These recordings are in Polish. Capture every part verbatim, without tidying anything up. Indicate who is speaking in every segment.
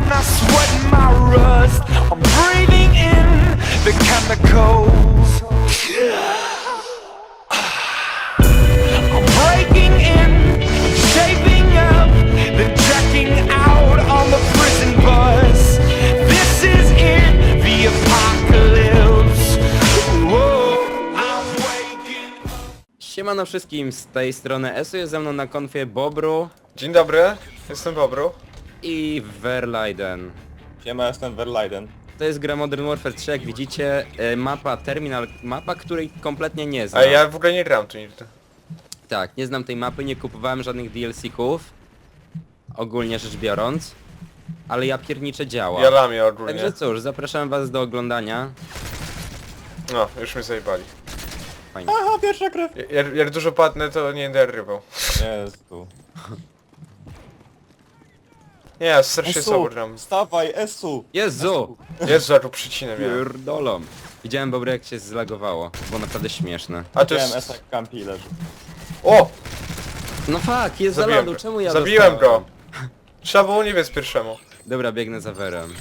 Speaker 1: and I sweat my rust. I'm breathing in the chemicals. I'm breaking in, shaping up, then checking out on the prison bus. This is it, the apocalypse. Whoa, I'm waking up.
Speaker 2: Siemano wszystkim, z tej strony Esu, jest ze mną na konfie Bobru
Speaker 3: Dzień dobry, jestem Bobru.
Speaker 2: i Verlaiden.
Speaker 4: Siema, jestem Verlaiden.
Speaker 2: To jest gra Modern Warfare trzy, jak widzicie, e, mapa Terminal, mapa, której kompletnie nie znam.
Speaker 3: A ja w ogóle nie gram tu nigdy.
Speaker 2: Tak, nie znam tej mapy, nie kupowałem żadnych D L C-ków, ogólnie rzecz biorąc, ale ja pierniczę działa.
Speaker 3: Ja lamię ogólnie.
Speaker 2: Także cóż, zapraszam was do oglądania.
Speaker 3: No, już mnie zajebali.
Speaker 2: Fajnie.
Speaker 4: Aha, pierwsza krew!
Speaker 3: Jak, jak dużo padnę, to nie będę rybą.
Speaker 4: Jezu.
Speaker 3: Nie, strasznie słabo
Speaker 4: Esu,
Speaker 3: gram.
Speaker 4: wstawaj, Esu!
Speaker 2: Jezu!
Speaker 3: Jezu, jak tu przycinę miałem.
Speaker 2: Pierdolą. Widziałem, Bobry, jak się zlagowało, było naprawdę śmieszne.
Speaker 3: A to
Speaker 4: Widziałem
Speaker 3: jest...
Speaker 4: Esa jak kampi leży.
Speaker 3: O!
Speaker 2: No fuck, jest za
Speaker 3: Zabiłem
Speaker 2: lodu,
Speaker 3: go.
Speaker 2: czemu ja
Speaker 3: Zabiłem
Speaker 2: dostałem?
Speaker 3: go! Trzeba było nie biec pierwszemu.
Speaker 2: Dobra, biegnę za Werem.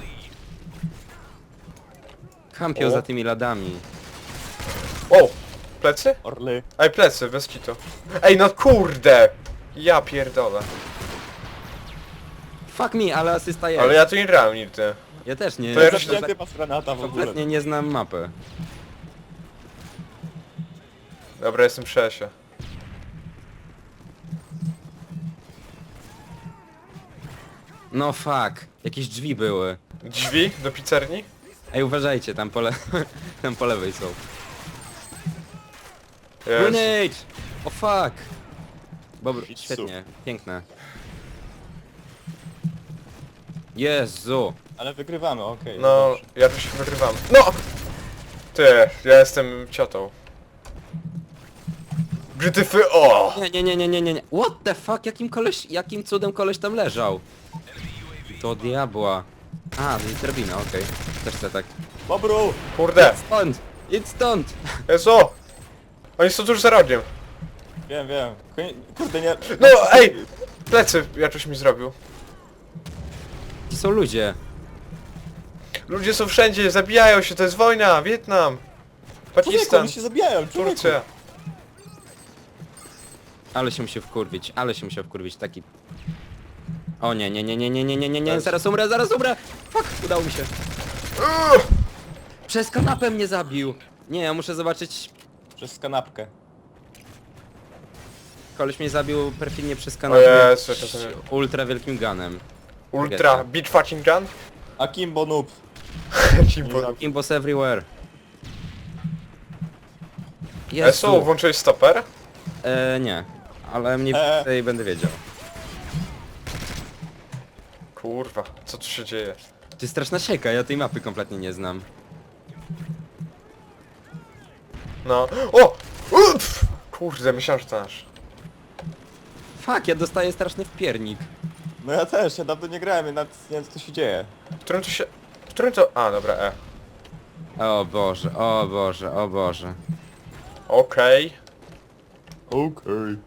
Speaker 2: Kampią
Speaker 3: O.
Speaker 2: za tymi ladami.
Speaker 3: O! Plecy?
Speaker 4: Orly.
Speaker 3: Ej, plecy, bez kitu. Ej, no kurde! Ja pierdolę.
Speaker 2: Fuck me, ale asysta jest.
Speaker 3: Ale ja tu nie grałem nigdy.
Speaker 2: Ja też nie.
Speaker 3: To ja
Speaker 4: Zamknięty pas granata w ogóle.
Speaker 2: Kompletnie nie znam mapy.
Speaker 3: Dobra, jestem przy Esie.
Speaker 2: No fuck, jakieś drzwi były.
Speaker 3: Drzwi do pizzerni?
Speaker 2: Ej, uważajcie, tam po, le... tam po lewej są.
Speaker 3: Jezu.
Speaker 2: Grenade! O fuck! Bobr,
Speaker 4: Pizzu.
Speaker 2: świetnie, piękne. Jezu!
Speaker 4: Ale wygrywamy, okej.
Speaker 3: No,
Speaker 4: dobrze.
Speaker 3: ja tu się wygrywam. No! Ty, ja jestem ciotą. Brzytyfy, o!
Speaker 2: Nie, nie, nie, nie, nie, nie, nie. What the fuck? Jakim koleś, jakim cudem koleś tam leżał? To diabła. A, to jest drabina, okej. Też chcę tak.
Speaker 4: Bobru!
Speaker 3: Kurde!
Speaker 2: Stąd! Idź stąd!
Speaker 3: Jezu! Oni są tuż za rogiem.
Speaker 4: Wiem, wiem. Koń- Kurde, nie...
Speaker 3: No, ej! Plecy Jaczuś mi zrobił.
Speaker 2: Ci są ludzie.
Speaker 3: Ludzie są wszędzie, zabijają się, to jest wojna! Wietnam!
Speaker 4: Człowieku,
Speaker 3: Pakistan!
Speaker 4: oni się zabijają, człowieku!
Speaker 3: Turcja!
Speaker 2: Ale się musiał wkurwić, ale się musiał wkurwić, taki... O nie, nie, nie, nie, nie, nie, nie, nie, nie,
Speaker 3: Jest.
Speaker 2: zaraz umrę, zaraz umrę! Fuck, udało mi się.
Speaker 3: Uuu!
Speaker 2: Przez kanapę mnie zabił! Nie, ja muszę zobaczyć...
Speaker 4: Przez kanapkę.
Speaker 2: Koleś mnie zabił perfidnie przez
Speaker 3: O
Speaker 2: kanapę
Speaker 3: Jezu, to to nie-
Speaker 2: ultra wielkim gunem.
Speaker 3: Ultra, beat fucking gun?
Speaker 4: Akimbo noob.
Speaker 3: Kimbo.
Speaker 2: Imbos everywhere.
Speaker 3: Esu, włączyłeś stoper?
Speaker 2: E, nie, ale mniej
Speaker 4: E.
Speaker 2: więcej będę wiedział.
Speaker 3: Kurwa, co tu się dzieje?
Speaker 2: To jest straszna sieka, ja tej mapy kompletnie nie znam.
Speaker 3: No. O! Uff! Kurde, myślałem, że to nasz.
Speaker 2: Fuck, ja dostaję straszny wpiernik.
Speaker 4: No ja też, ja dawno nie grałem, ja nawet nie wiem co tu się dzieje.
Speaker 3: W którym to się... W którym to... A, dobra, E.
Speaker 2: O Boże, o Boże, o Boże.
Speaker 3: Okej.
Speaker 4: Okej.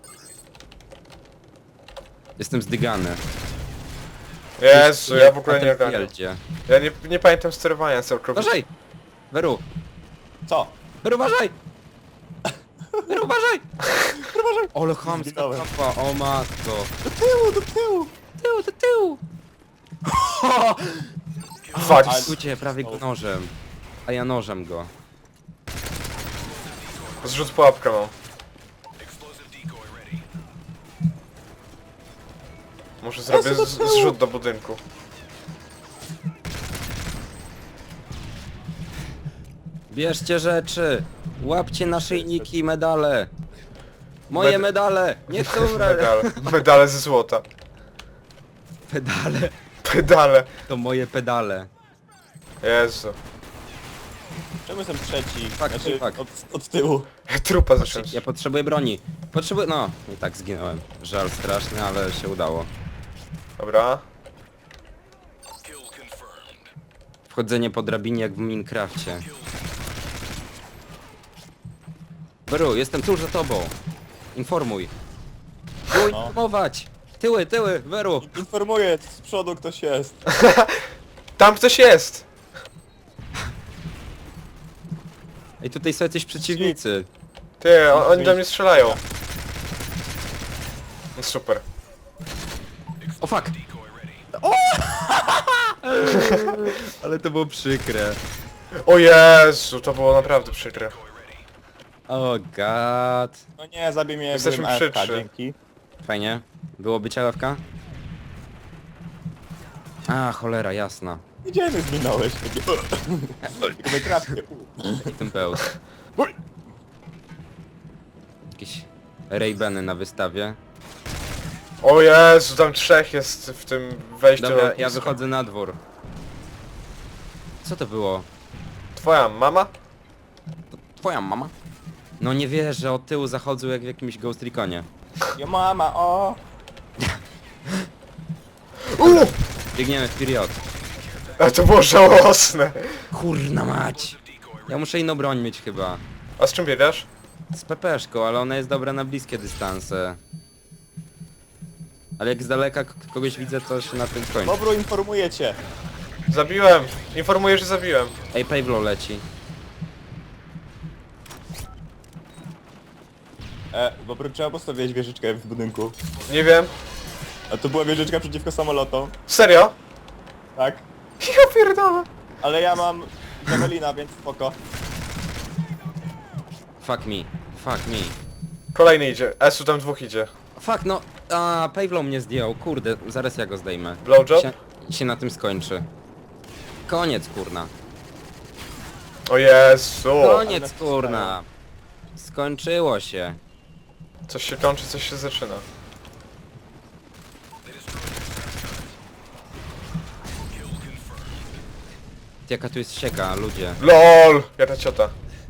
Speaker 2: Jestem zdygany.
Speaker 3: Jezu, ja w ogóle nie ogarniam.
Speaker 2: Battlefieldzie.
Speaker 3: Ja nie, nie pamiętam sterowania całkowicie.
Speaker 2: Uważaj! Weru!
Speaker 4: Co?
Speaker 2: Weru, uważaj! Weru, uważaj!
Speaker 4: Uważaj!
Speaker 2: Ole chamska
Speaker 4: Zginąłem.
Speaker 2: kapa, o matko.
Speaker 4: Do tyłu, do tyłu!
Speaker 2: Tył, do tyłu!
Speaker 3: Fuck.
Speaker 2: Słuchajcie, prawie go nożem. A ja nożem go.
Speaker 3: Zrzut pułapkę mam. Może zrobię z, zrzut do budynku.
Speaker 2: Bierzcie rzeczy! Łapcie naszyjniki i medale! Moje
Speaker 3: Med-
Speaker 2: medale! Nie chcę umrzeć!
Speaker 3: Medale. Medale ze złota.
Speaker 2: Pedale!
Speaker 3: Pedale.
Speaker 2: To moje pedale.
Speaker 3: Jezu.
Speaker 4: Czemu jestem trzeci?
Speaker 2: Fuck,
Speaker 4: Znaczy,
Speaker 2: fuck.
Speaker 4: od, od tyłu.
Speaker 3: Trupa zacząłem.
Speaker 2: Ja potrzebuję broni. Potrzebuję... No, i tak zginąłem. Żal straszny, ale się udało.
Speaker 3: Dobra.
Speaker 2: Wchodzenie po drabinie jak w Minecrafcie. Beru, jestem tuż za tobą. Informuj. Było
Speaker 4: No.
Speaker 2: informować. Tyły, tyły, Weru!
Speaker 4: Informuję, z przodu ktoś jest.
Speaker 3: Tam ktoś jest!
Speaker 2: Ej, tutaj są jacyś przeciwnicy.
Speaker 3: Ty, on, oni do mnie strzelają. No super.
Speaker 2: O fuck! Ale to było przykre.
Speaker 3: O Jezu, to było naprawdę przykre.
Speaker 2: O god.
Speaker 4: No nie, zabij mnie,
Speaker 3: Jesteśmy
Speaker 4: byłem A F K,
Speaker 3: przy trzy.
Speaker 4: dzięki.
Speaker 2: Fajnie. Było być L F K? A, cholera, jasna.
Speaker 4: Gdzie mnie zminąłeś? Takie... Tylko mnie trafnie.
Speaker 2: I ten pełz. Jakieś Ray-Bany na wystawie.
Speaker 3: O Jezu, tam trzech jest w tym wejściu.
Speaker 2: Dobra,
Speaker 3: na
Speaker 2: ja
Speaker 3: lotnisko.
Speaker 2: wychodzę na dwór. Co to było?
Speaker 3: Twoja mama?
Speaker 2: Twoja mama? No nie wierzę, od tyłu zachodzą jak w jakimś Ghost Reconie.
Speaker 4: Jo mama, o!
Speaker 3: Uuu!
Speaker 2: Biegniemy w period.
Speaker 3: A to było żałosne.
Speaker 2: Kurna mać! Ja muszę inną broń mieć chyba.
Speaker 3: A z czym biegasz?
Speaker 2: Z pepeszką, ale ona jest dobra na bliskie dystanse. Ale jak z daleka k- kogoś widzę, to się na tym kończy.
Speaker 4: Bobru, informuję cię.
Speaker 3: Zabiłem. Informuję, że zabiłem.
Speaker 2: Ej, Pavlo leci.
Speaker 4: E, Bobru, trzeba postawić wieżyczkę w budynku.
Speaker 3: Nie wiem.
Speaker 4: A to była wieżyczka przeciwko samolotom.
Speaker 3: Serio?
Speaker 4: Tak.
Speaker 3: Ja pierdolę.
Speaker 4: Ale ja mam Javelina, więc spoko.
Speaker 2: Fuck me. Fuck me.
Speaker 3: Kolejny idzie. Esu tam dwóch idzie.
Speaker 2: Fuck, no... A, Pavlo mnie zdjął. Kurde, zaraz ja go zdejmę.
Speaker 3: Blowjob?
Speaker 2: Się, się na tym skończy. Koniec, kurna.
Speaker 3: O Jezu.
Speaker 2: Koniec, kurna. Skończyło się.
Speaker 3: Coś się kończy, coś się zaczyna.
Speaker 2: Jaka tu jest sieka, ludzie.
Speaker 3: LOL! Jaka ciota.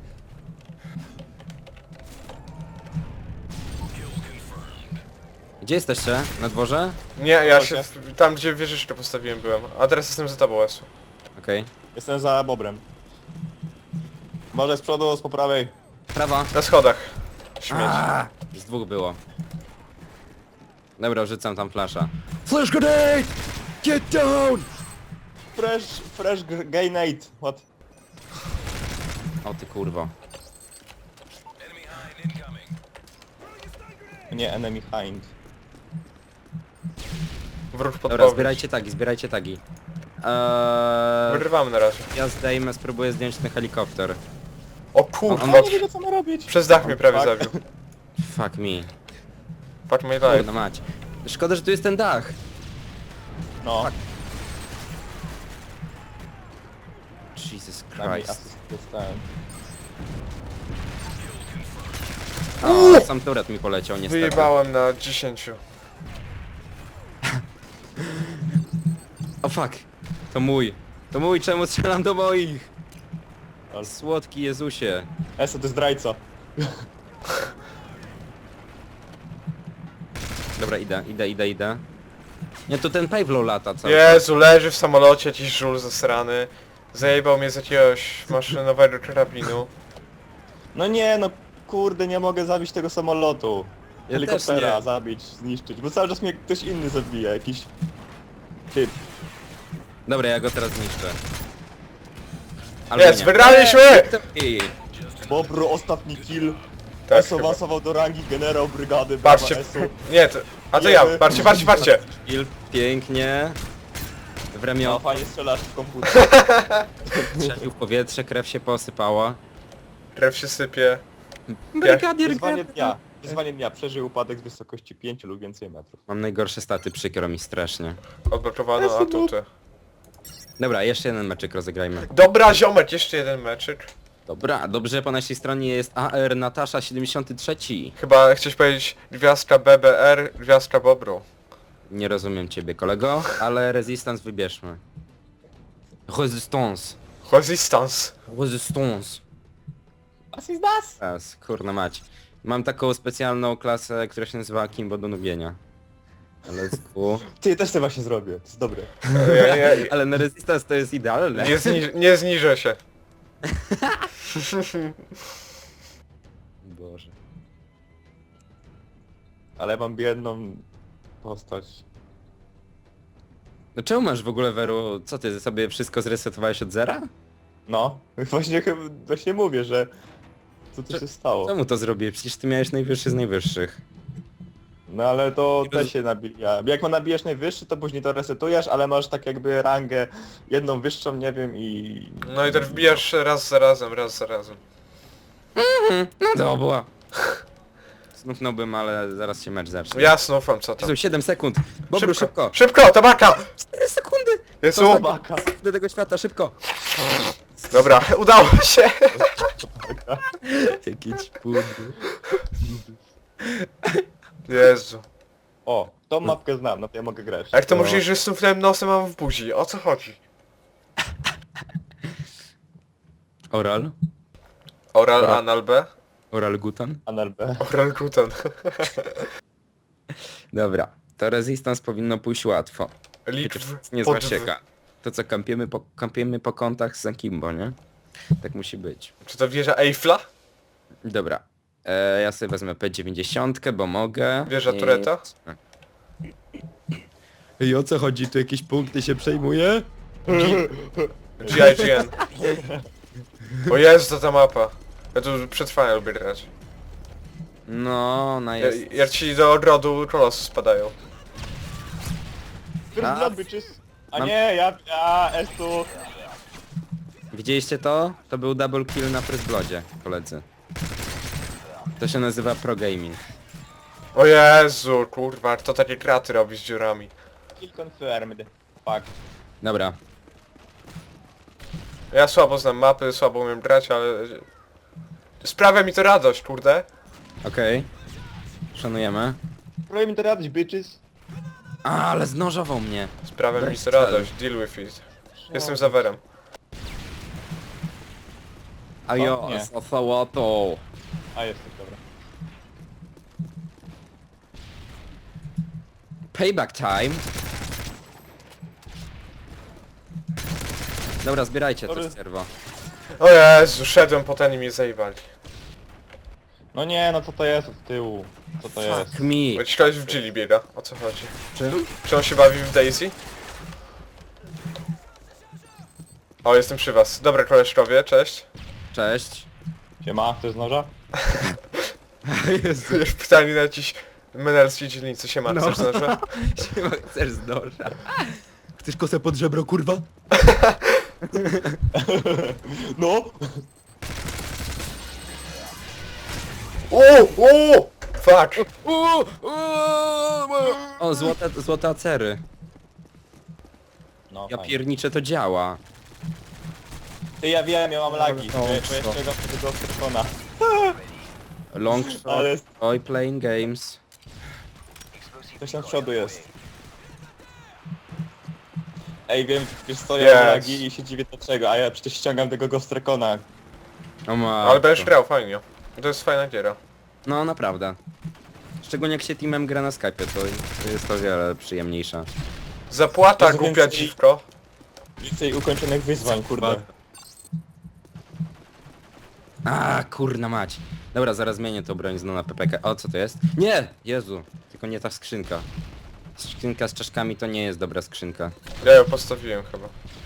Speaker 2: Gdzie jesteście? Na dworze?
Speaker 3: Nie, ja
Speaker 4: Chodź,
Speaker 3: się...
Speaker 4: ja-
Speaker 3: w- Tam gdzie wieżyczkę postawiłem byłem. A teraz jestem za tobą, Esu.
Speaker 2: Okej.
Speaker 4: Jestem za Bobrem. Może z przodu, z po prawej.
Speaker 2: Prawa.
Speaker 3: Na schodach. Śmieć.
Speaker 2: A, z dwóch było. Dobra, rzucam tam flasza. Flash grenade! Get down!
Speaker 4: Fresh, fresh gr- grenade. What?
Speaker 2: O ty kurwo.
Speaker 4: Nie, enemy hind.
Speaker 3: Wróg
Speaker 2: Dobra,
Speaker 3: podpowiedź.
Speaker 2: zbierajcie tagi, zbierajcie tagi. Eee,
Speaker 3: Wyrywamy na razie.
Speaker 2: ja zdejmę, spróbuję zdjąć ten helikopter.
Speaker 3: O kurwa,
Speaker 2: On-
Speaker 4: Ja nie wiem co ma robić.
Speaker 3: przez dach mnie prawie
Speaker 4: Fuck.
Speaker 3: zabił.
Speaker 2: Fuck me.
Speaker 3: Fuck my life.
Speaker 2: Kurna mać. Szkoda, że tu jest ten dach.
Speaker 4: No,
Speaker 2: Jesus
Speaker 4: na mi
Speaker 2: Christ.
Speaker 4: asyst dostałem.
Speaker 2: O, sam turret mi poleciał niestety.
Speaker 3: Wyjebałem na dziesięciu.
Speaker 2: O fuck. To mój. To mój, czemu strzelam do moich?
Speaker 4: Ale-
Speaker 2: Słodki Jezusie.
Speaker 4: Eso, to jest zdrajca.
Speaker 2: Dobra, idę, idę, idę, idę. Nie, to ten Pavlo lata cały
Speaker 3: Jezu, leży w samolocie jakiś żul zasrany. Zajebał mnie z jakiegoś maszynowego karabinu.
Speaker 4: No nie, no kurde, nie mogę zabić tego samolotu.
Speaker 2: Ja
Speaker 4: Helikoptera
Speaker 2: też nie.
Speaker 4: zabić, zniszczyć, bo cały czas mnie ktoś inny zabija, jakiś typ.
Speaker 2: Dobra, ja go teraz zniszczę. Albo
Speaker 3: Jest,
Speaker 2: nie.
Speaker 3: wygraliśmy!
Speaker 2: I
Speaker 4: Bobru, ostatni kill.
Speaker 3: Tak,
Speaker 4: Eso
Speaker 3: chyba.
Speaker 4: awansował do rangi generał brygady.
Speaker 3: Patrzcie.
Speaker 4: Brawa, Eso.
Speaker 3: Nie, to... A to ja,
Speaker 4: Jemy.
Speaker 3: patrzcie, patrzcie, patrzcie!
Speaker 2: kill, pięknie. W
Speaker 4: No
Speaker 2: ramię
Speaker 4: fajnie strzelasz w komputer.
Speaker 2: strzelił w powietrze, krew się posypała.
Speaker 3: Krew się sypie.
Speaker 2: Brygadier
Speaker 4: Wyzwanie
Speaker 2: Gerd-
Speaker 4: dnia. Wyzwanie dnia. Przeżył upadek z wysokości pięciu lub więcej metrów.
Speaker 2: Mam najgorsze staty, przykro mi strasznie.
Speaker 3: Odblokowano atuty.
Speaker 2: Dobra, jeszcze jeden meczyk rozegrajmy.
Speaker 3: Dobra, ziomek, jeszcze jeden meczyk.
Speaker 2: Dobra, dobrze, po naszej stronie jest A R Natasza siedemdziesiąt trzy.
Speaker 3: Chyba chciałeś powiedzieć gwiazdka B B R, gwiazdka Bobru.
Speaker 2: Nie rozumiem ciebie, kolego, ale Resistance wybierzmy. Resistance.
Speaker 3: Resistance.
Speaker 2: Resistance.
Speaker 4: Was is das?
Speaker 2: Teraz, kurna mać. Mam taką specjalną klasę, która się nazywa Kimbo do nubienia. Let's go.
Speaker 4: Ty też to właśnie zrobię, to jest dobre.
Speaker 3: Ja, ja,
Speaker 2: Ale na Resistance to jest idealne.
Speaker 3: nie, zniż, nie zniżę się.
Speaker 2: Boże.
Speaker 4: Ale mam biedną postać.
Speaker 2: No czemu masz w ogóle, Weru, co ty sobie wszystko zresetowałeś od zera?
Speaker 4: No, właśnie, chyba- właśnie mówię, że... Co tu
Speaker 2: Cze-
Speaker 4: się stało?
Speaker 2: Czemu to zrobiłeś? Przecież ty miałeś najwyższy z najwyższych.
Speaker 4: No ale to
Speaker 2: Nie
Speaker 4: też
Speaker 2: roz-
Speaker 4: się nabija. Jak ma nabijesz najwyższy, to później to resetujesz, ale masz tak jakby rangę jedną wyższą, nie wiem i...
Speaker 3: No i tak wbijasz raz za razem, raz za razem.
Speaker 2: No dobra. Znufnąłbym, ale zaraz się mecz zacznie.
Speaker 3: Jasno, ufam, co tam.
Speaker 2: Jezu, siedem sekund. Bobru, szybko.
Speaker 3: Szybko, tabaka!
Speaker 2: cztery sekundy.
Speaker 3: Jezu!
Speaker 2: To
Speaker 4: Baka.
Speaker 2: Do tego świata, szybko.
Speaker 3: Dobra, udało się!
Speaker 2: Jaki ćpudny.
Speaker 3: Jezu.
Speaker 4: O, tą mapkę znam, no to ja mogę grać.
Speaker 3: A jak to
Speaker 2: No.
Speaker 3: możliwe, że snufnąłem nosem, mam w buzi? O co chodzi?
Speaker 2: Oral?
Speaker 3: Oral,
Speaker 2: Dobra.
Speaker 3: anal B?
Speaker 2: Oral gutan?
Speaker 4: Anal B.
Speaker 3: Oral gutan.
Speaker 2: Dobra. To resistance powinno pójść łatwo.
Speaker 3: Lik
Speaker 2: Chociaż
Speaker 3: w...
Speaker 2: niezła
Speaker 3: pod w.
Speaker 2: sieka. To co, kampiemy po, kampiemy po kątach z Akimbo, nie? Tak musi być.
Speaker 3: Czy to wieża Eiffla?
Speaker 2: Dobra. E, ja sobie wezmę P dziewięćdziesiąt, bo mogę.
Speaker 3: Wieża
Speaker 2: I-
Speaker 3: Tureta?
Speaker 2: I o co chodzi? Tu jakieś punkty się przejmuje?
Speaker 3: G I G N. O Jezu, to ta mapa. Ja tu przetrwanie lubię grać.
Speaker 2: No, ona
Speaker 3: Ja-
Speaker 2: jest...
Speaker 3: Jak ci do odrodu kolosu spadają.
Speaker 4: First
Speaker 2: A.
Speaker 4: blood, bitches. A
Speaker 2: Mam-
Speaker 4: nie, ja, ja, Estu.
Speaker 2: Widzieliście to? To był double kill na First Bloodzie, koledzy. To się nazywa pro gaming.
Speaker 3: O Jezu, kurwa, kto takie kraty robi z dziurami?
Speaker 4: Kill confirmed. Fuck.
Speaker 2: Dobra.
Speaker 3: Ja słabo znam mapy, słabo umiem grać, ale... Sprawia mi to radość, kurde.
Speaker 2: Okej. Szanujemy.
Speaker 4: Próbuj mi to radość, bitches.
Speaker 2: A, ale znożował mnie.
Speaker 3: Sprawia mi
Speaker 2: Bez
Speaker 3: to
Speaker 2: celu.
Speaker 3: radość, deal with it. Jestem zawerem.
Speaker 2: A
Speaker 4: O,
Speaker 2: jo,
Speaker 4: nie.
Speaker 2: z sałatą.
Speaker 4: A, jest, dobra.
Speaker 2: Payback time. Dobra, zbierajcie to
Speaker 4: Sorry.
Speaker 2: z serwo.
Speaker 3: O Jezu, szedłem po ten i mnie zajebali.
Speaker 4: No nie, no co to jest od tyłu? Co to jest?
Speaker 2: Fuck me.
Speaker 3: Jakiś koleś w Gilli biega, o co chodzi?
Speaker 2: Czym?
Speaker 3: Czy on się bawi w Daisy? O, jestem przy was. Dobra, koleżkowie, cześć.
Speaker 2: Cześć.
Speaker 4: Siema, chcesz z noża?
Speaker 2: Jezu,
Speaker 3: Już pytanie na jakiś menelskiej dzielnicy się ma,
Speaker 2: No.
Speaker 3: chcesz noże?
Speaker 2: siema, chcesz z noża. Chcesz kosę pod żebro, kurwa?
Speaker 4: No!
Speaker 3: Uuu, uuu! Fuck!
Speaker 2: O, złote, złote acery.
Speaker 4: No,
Speaker 2: Ja
Speaker 4: fajnie.
Speaker 2: pierniczę, to działa.
Speaker 4: Ty, ja wiem, ja mam lagi.
Speaker 2: O,
Speaker 4: Bo bo
Speaker 2: co?
Speaker 4: jeszcze go tego strona.
Speaker 2: Long shot,
Speaker 4: Ale
Speaker 2: oj, playing games.
Speaker 4: coś tam z przodu jest. Ej, wiem, wiesz co, ja mam
Speaker 3: Yes.
Speaker 4: lagi i się dziwię dlaczego, a ja przecież ściągam tego Ghost-Recona.
Speaker 2: O ma.
Speaker 3: Ale będziesz grał, fajnie. To jest fajna giera.
Speaker 2: No, naprawdę. Szczególnie jak się teamem gra na Skype'ie, to to jest o wiele przyjemniejsza.
Speaker 3: Zapłata,
Speaker 4: Jezu,
Speaker 3: głupia
Speaker 4: więcej-
Speaker 3: dziwko.
Speaker 4: Więcej ukończonych wyzwań, kurde.
Speaker 2: A, kurna mać. Dobra, zaraz zmienię tą broń znowu na P P K. O, co to jest? Nie! Jezu, tylko nie ta skrzynka. Skrzynka z czaszkami to nie jest dobra skrzynka.
Speaker 3: Ja ją postawiłem chyba.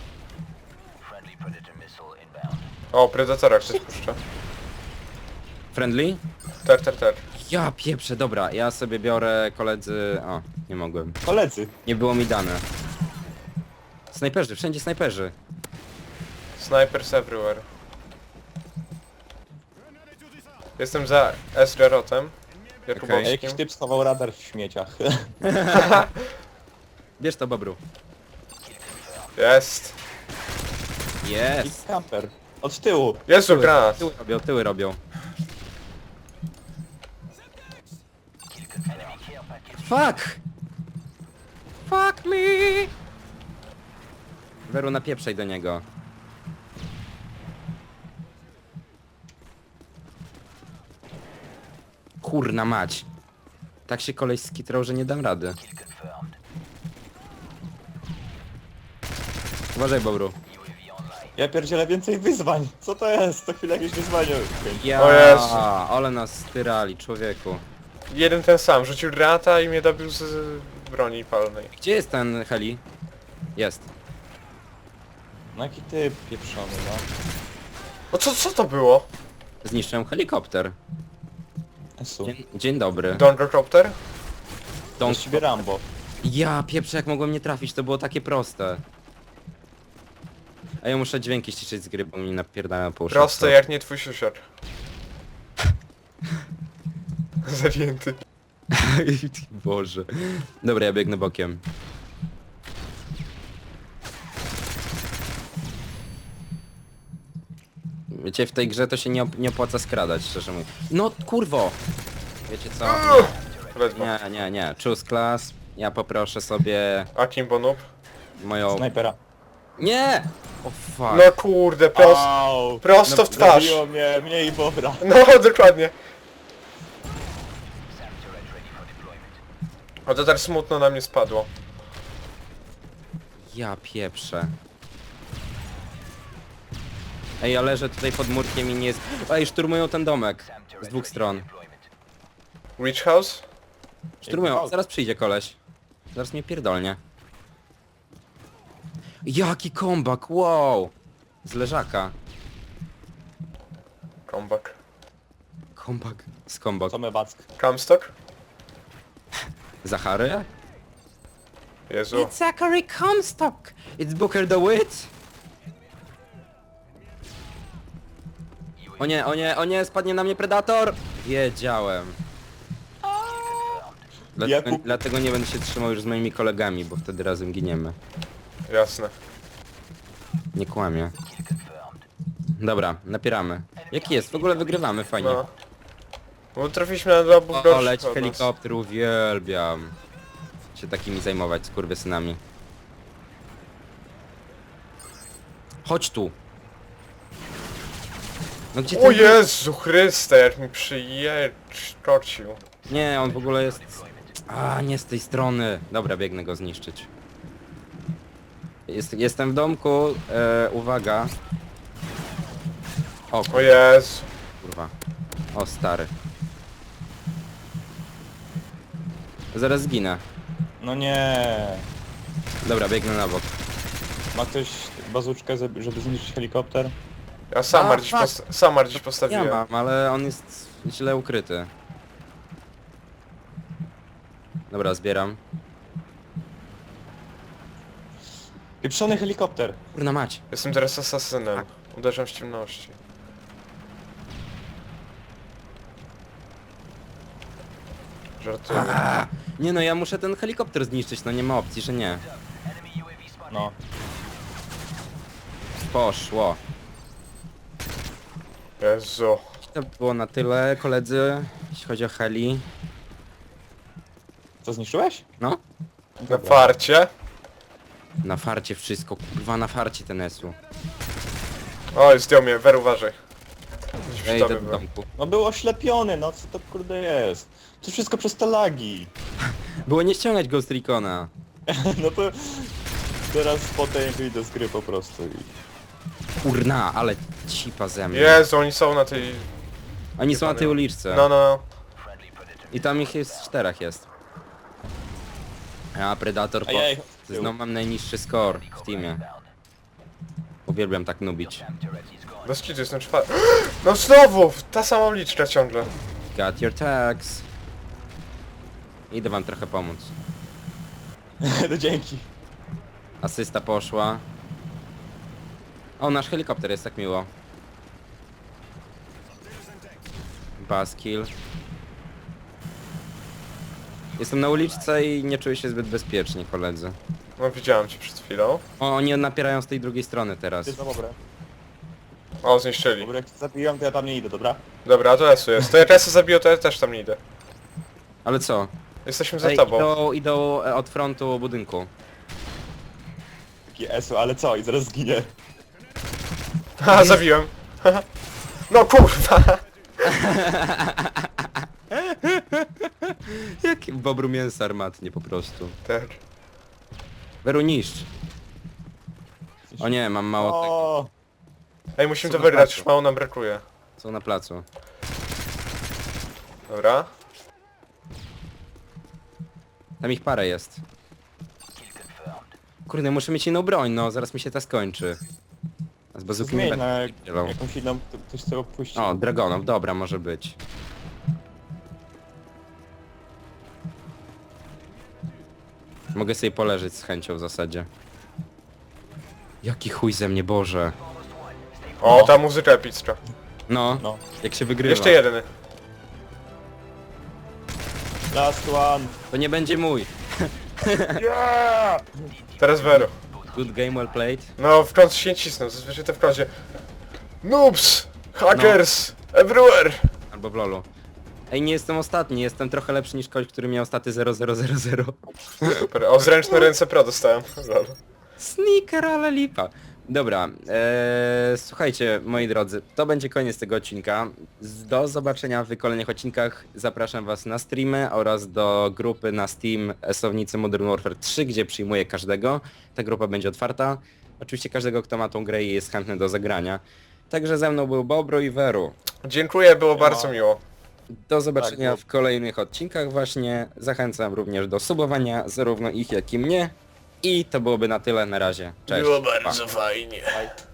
Speaker 3: O, Predatora ktoś puszcza.
Speaker 2: Friendly?
Speaker 3: Ter, ter, ter.
Speaker 2: Ja pieprzę, dobra, ja sobie biorę koledzy... O, nie mogłem.
Speaker 4: Koledzy.
Speaker 2: Nie było mi dane. Snajperzy, wszędzie snajperzy.
Speaker 3: Snipers everywhere. Jestem za S. Garotem.
Speaker 2: Okej.
Speaker 4: A
Speaker 3: Jakubowskim.
Speaker 4: jakiś typ schował radar w śmieciach.
Speaker 2: Bierz to, Bobru.
Speaker 3: Jest.
Speaker 4: I
Speaker 2: Jest!
Speaker 4: camper. Od tyłu.
Speaker 3: Jezu, granat.
Speaker 2: Tyły robią, tyły robią. Fuck! Fuck me! Weru, napieprzaj do niego. Kurna mać. Tak się koleś skitrał, że nie dam rady. Uważaj, Bobru.
Speaker 4: Ja pierdzielę więcej wyzwań. Co to jest? Co chwilę jakieś wyzwanie.
Speaker 2: Ja,
Speaker 3: O Jezu.
Speaker 2: ale nas styrali, człowieku.
Speaker 3: Jeden ten sam, rzucił granata i mnie dobił z broni palnej.
Speaker 2: Gdzie jest ten heli? Jest.
Speaker 4: No jaki ty pieprzony, no.
Speaker 3: O co, co to było?
Speaker 2: Zniszczyłem helikopter.
Speaker 4: Esu.
Speaker 2: Dzień, dzień dobry.
Speaker 3: Dondrocopter?
Speaker 4: To
Speaker 2: Don't...
Speaker 4: jest ciebie Rambo.
Speaker 2: Ja pieprzę, jak mogłem nie trafić, to było takie proste. A ja muszę dźwięki ściszyć z gry, bo mi napierdalają po uszach.
Speaker 3: Proste jak nie twój siusior. Zajęty.
Speaker 2: Boże. Dobra, ja biegnę bokiem. Wiecie, w tej grze to się nie, op nie opłaca skradać, szczerze mówiąc. No kurwo! Wiecie co?
Speaker 3: Ledwo.
Speaker 2: Nie, nie, nie. Choose class. Ja poproszę sobie
Speaker 3: Akimbo noob?
Speaker 2: moją...
Speaker 4: Snajpera.
Speaker 2: Nie! O fuck.
Speaker 3: No kurde, prosto,
Speaker 4: Au!
Speaker 3: prosto
Speaker 2: No,
Speaker 3: w twarz.
Speaker 4: Zabiło mnie, mnie i Bobra.
Speaker 3: No, dokładnie. A to tak smutno na mnie spadło.
Speaker 2: Ja pieprzę. Ej, ja leżę tutaj pod murkiem i nie jest... Ej, szturmują ten domek. Z dwóch stron.
Speaker 3: Rich House?
Speaker 2: Szturmują. Zaraz przyjdzie koleś. Zaraz mnie pierdolnie. Jaki kombak, wow! Z leżaka.
Speaker 3: Comeback.
Speaker 2: Kombak. Z kombak.
Speaker 4: Co my back?
Speaker 3: Comstock?
Speaker 2: Zachary?
Speaker 3: Jezu.
Speaker 2: It's Zachary Comstock! It's Booker the Wit! O nie, o nie, o nie, spadnie na mnie Predator! Wiedziałem. Dlatego,
Speaker 4: Jakub-
Speaker 2: dlatego nie będę się trzymał już z moimi kolegami, bo wtedy razem giniemy.
Speaker 3: Jasne.
Speaker 2: Nie kłamię. Dobra, napieramy. Jaki jest? W ogóle wygrywamy, fajnie.
Speaker 3: No. Bo trafiliśmy na dwa obóz
Speaker 2: O,
Speaker 3: gorszych
Speaker 2: leć
Speaker 3: od nas.
Speaker 2: helikopter, uwielbiam. Się takimi zajmować, skurwysynami. Chodź tu. No gdzie
Speaker 3: O
Speaker 2: ty...
Speaker 3: Jezu Chryste, jak mi przyjeczkocił.
Speaker 2: Nie, on w ogóle jest... A, nie z tej strony. Dobra, biegnę go zniszczyć. Jest, jestem w domku, e, uwaga. O,
Speaker 3: O Jezu.
Speaker 2: kurwa. O, stary. Zaraz zginę.
Speaker 4: No nie.
Speaker 2: Dobra, biegnę na bok.
Speaker 4: Ma ktoś bazuczkę, żeby żeby zniszczyć helikopter?
Speaker 3: Ja Samar
Speaker 2: A,
Speaker 3: dziś,
Speaker 2: fuck.
Speaker 3: posta Samar dziś
Speaker 2: Ja
Speaker 3: postawiłem.
Speaker 2: mam, ale on jest źle ukryty. Dobra, zbieram.
Speaker 4: Pieprzony helikopter.
Speaker 2: Kurna mać.
Speaker 3: Jestem teraz asasynem. Uderzam w ciemności. Żartuję.
Speaker 2: A, nie no, ja muszę ten helikopter zniszczyć, no nie ma opcji, że nie.
Speaker 4: No.
Speaker 2: Poszło.
Speaker 3: Jezu.
Speaker 2: To było na tyle, koledzy, jeśli chodzi o heli.
Speaker 4: Co zniszczyłeś?
Speaker 2: No,
Speaker 3: Na farcie.
Speaker 2: na farcie wszystko, kurwa, na farcie ten esu.
Speaker 3: Oj, zdjął mnie, Wer uważaj. Gdzieś
Speaker 2: Ja
Speaker 3: w
Speaker 2: idę
Speaker 3: tobie
Speaker 2: do
Speaker 3: był.
Speaker 2: domku.
Speaker 4: No był oślepiony, no co to kurde jest? To wszystko przez te lagi.
Speaker 2: Było nie ściągać Ghost Recona.
Speaker 4: No to teraz potem wyjdę z gry po prostu i...
Speaker 2: Kurna, ale cipa ze mnie.
Speaker 3: Jezu, oni są na tej...
Speaker 2: Oni są na tej uliczce.
Speaker 3: No, no.
Speaker 2: I tam ich jest czterech jest. A Predator po...
Speaker 4: Ejej,
Speaker 2: Znowu mam najniższy score w teamie. Uwielbiam tak nubić.
Speaker 3: Bez kitu jestem czwarty. No znowu! Ta sama uliczka ciągle.
Speaker 2: Got your tags. Idę wam trochę pomóc.
Speaker 4: no dzięki.
Speaker 2: Asysta poszła. O, nasz helikopter jest tak miło. Baskill. Jestem na uliczce i nie czuję się zbyt bezpiecznie, koledzy.
Speaker 3: No widziałem cię przed chwilą.
Speaker 2: O, oni napierają z tej drugiej strony teraz.
Speaker 4: Ty za dobre.
Speaker 3: O, zniszczyli.
Speaker 4: Dobra, jak zabiłem, to ja tam nie idę, dobra?
Speaker 3: Dobra, to Esu jest. To jak Esu zabiję, to ja też tam nie idę.
Speaker 2: Ale co?
Speaker 3: Jesteśmy za
Speaker 2: Ej,
Speaker 3: tobą.
Speaker 2: idą, idą e, od frontu budynku.
Speaker 4: Taki esu, ale co? I zaraz zginie.
Speaker 3: Ha, zabiłem. No kurwa!
Speaker 2: Jak bobru mięsa armatnie po prostu.
Speaker 3: Tak.
Speaker 2: Weru niszcz. O nie, mam mało tego.
Speaker 4: O,
Speaker 3: Ej, musimy
Speaker 2: Co
Speaker 3: to
Speaker 2: na
Speaker 3: wygrać,
Speaker 2: placu?
Speaker 3: już mało nam brakuje.
Speaker 2: Są na placu.
Speaker 3: Dobra.
Speaker 2: Tam ich parę jest. Kurde, muszę mieć inną broń, no zaraz mi się ta skończy. A z bazuki nie
Speaker 4: Zmień na
Speaker 2: będę dzielał.
Speaker 4: jakąś inną, to ktoś chce opuścić.
Speaker 2: O, Dragonów, dobra, może być. Mogę sobie poleżeć z chęcią w zasadzie. Jaki chuj ze mnie, Boże.
Speaker 3: O, ta muzyka epicka.
Speaker 2: No,
Speaker 4: No.
Speaker 2: jak się wygrywa.
Speaker 3: Jeszcze jeden.
Speaker 4: Last one.
Speaker 2: To nie będzie mój.
Speaker 4: Yeah!
Speaker 3: Teraz Vero.
Speaker 2: Good game, well played.
Speaker 3: No, w końcu się nie cisnął, zazwyczaj to w końcu. Noobs! Hackers! Everywhere!
Speaker 2: Albo w lolu. Ej, nie jestem ostatni, jestem trochę lepszy niż koleś, który miał staty zero zero zero zero.
Speaker 3: Super, o zręczne ręce pro dostałem. Lol.
Speaker 2: Sneaker, ale lipa. Dobra, ee, słuchajcie, moi drodzy, to będzie koniec tego odcinka. Z- Do zobaczenia w kolejnych odcinkach. Zapraszam was na streamy oraz do grupy na Steam Esownicy Modern Warfare trzy, gdzie przyjmuję każdego. Ta grupa będzie otwarta. Oczywiście każdego, kto ma tą grę i jest chętny do zagrania. Także ze mną był Bobro i Weru.
Speaker 3: Dziękuję, było bardzo miło.
Speaker 2: Do zobaczenia
Speaker 4: Tak,
Speaker 2: w kolejnych odcinkach właśnie. Zachęcam również do subowania zarówno ich, jak i mnie. I to byłoby na tyle na razie. Cześć.
Speaker 3: Było
Speaker 2: Pa.
Speaker 3: bardzo fajnie.
Speaker 4: Bye.